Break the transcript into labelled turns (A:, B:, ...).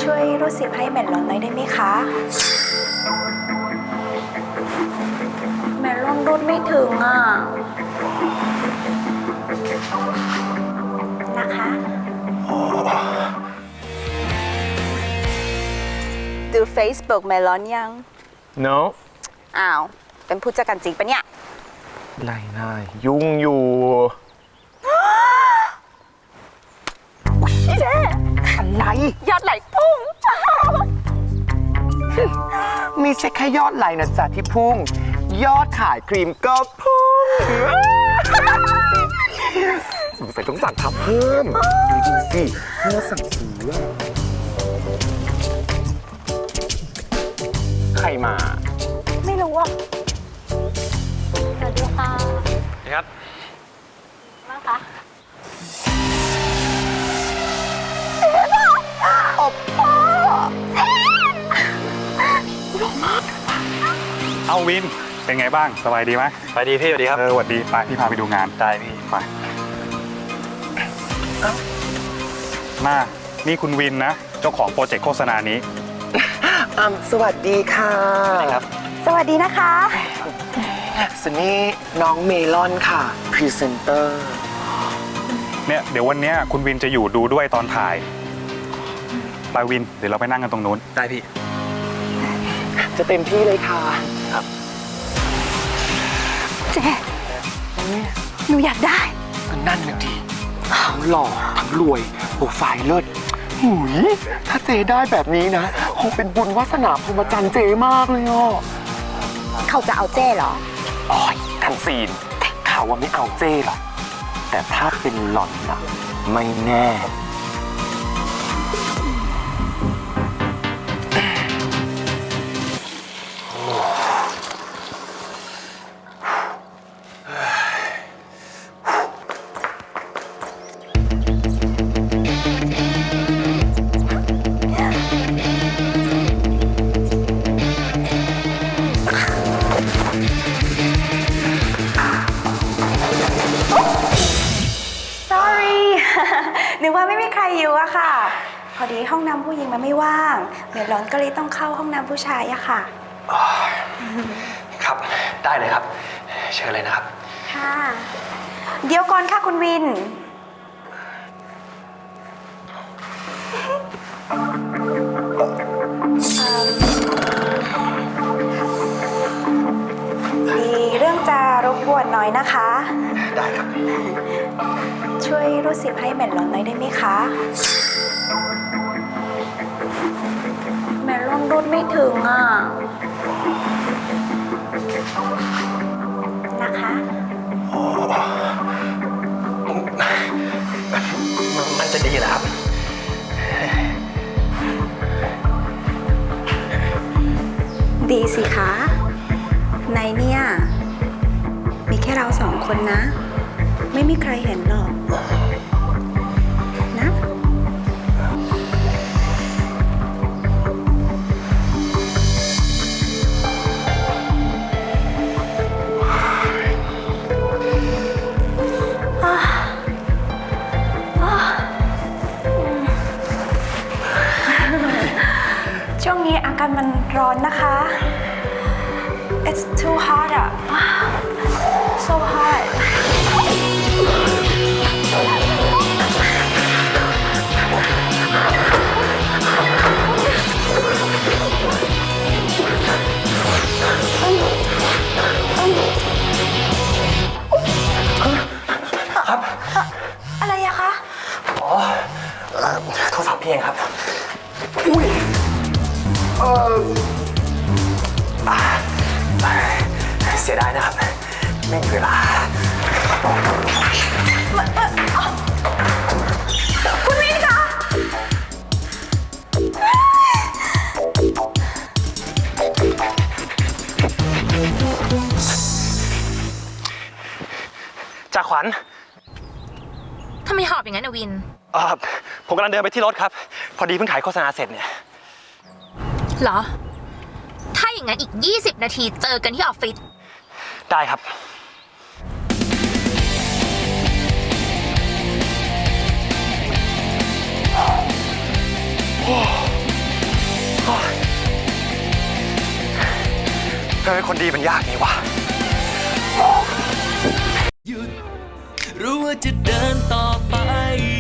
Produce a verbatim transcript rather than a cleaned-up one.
A: ช่วยรูดซิปให้เมลอนหน่อยได้ไหมคะเมลอนรูดไม่ถึงอ่ะนะคะดู Facebook เมลอนยัง
B: no
A: อ้าวเป็นผู้จัดการจริงปะเนี่ย
B: ไรนายยุ่งอยู่
A: เจ๊
B: อะไร
A: ยอดไหลพุ่ง
B: ไม่ใช่แค่ยอดไหลนะจ๊ะที่พุ่งยอดขายครีมก็พุ่งสงสัยต้องสั่งทับเพิ่มดูสิเมื่อสั่งซื้อใครมา
A: ไม่รู้อ่ะสวัสดีค่ะ
B: ครับ
A: มาค่ะ
B: อบพ่อ
C: เอาวินเป็นไงบ้างสบายดีไหม
B: สบายดีพี่สวัสดีครับ
C: เออสวัสดีไปพี่พาไปดูงาน
B: ได้พี่
C: ไปมานี่คุณวินนะเจ้าของโปรเจกต์โฆษณานี้
B: อ่าสวัสดีค่ะครับ
A: สวัสดีนะคะ
B: ส่วนนี้น้องเมลอนค่ะพรีเซนเตอร์
C: เนี่ยเดี๋ยววันนี้คุณวินจะอยู่ดูด้วยตอนถ่ายไปวินเดี๋ยวเราไปนั่งกันตรงนู้น
B: ได้พี่จะเต็มที่เลยค่ะครับ
A: เจ๊หนูอยากได้
B: ก็นั่นแหละดีทั้งหล่อทั้งรวยโปรไฟล์เลิศหุยถ้าเจได้แบบนี้นะคงเป็นบุญวาสนาพรหมจรรย์เจมากเลยอ่ะ
A: เขาจะเอาเจ้เหรอ
B: อ๋อยกันซีนข่าวว่าไม่เอาเจ้หรอกแต่ถ้าเป็นหล่อนนะไม่แน่
A: นึกว่าไม่มีใครอยู่อะค่ะพอดีห้องน้ำผู้หญิงมันไม่ว่างเมลอนก็เลยต้องเข้าห้องน้ำผู้ชายอะค่ะ
B: ครับได้เลยครับเชิญเลยนะครับ
A: ค่ะเดี๋ยวก่อนค่ะคุณวินมีเรื่องจะรบกวนหน่อยนะคะ
B: ได้ครับ
A: ช่วยรูดซิปให้เมลอนหน่อยได้ไหมคะเมลอนรูดไม่ถึงอ่ะนะคะ
B: มันจะดีเหรอครับ
A: ดีสิคะในเนี่ยมีแค่เราสองคนนะไม่มีใครเห็นหรอกนะช่วงนี้อากาศมันร้อนนะคะ It's too hot อ่ะ so hot
B: ครับ
A: อะไรอะคะ
B: อ๋อโทรศัพท์พี่เองครับอุ้ยเออเสียดายนะครับไม่มีเวลา
A: คุณวินคะ
B: จ่าขวัญ
D: ทำไมหอบอย่างนั้นอะวิน
B: เออผมกำลังเดินไปที่รถครับพอดีเพิ่งถ่ายโฆษณาเสร็จเนี่ย
D: เหรอถ้าอย่างนั้นอีกยี่สิบนาทีเจอกันที่ออฟฟิศ
B: ได้ครับ โอ้เธอเป็นคนดีมันยากนี่วะ
E: หยุดรู้ว่าจะเดินต่อไป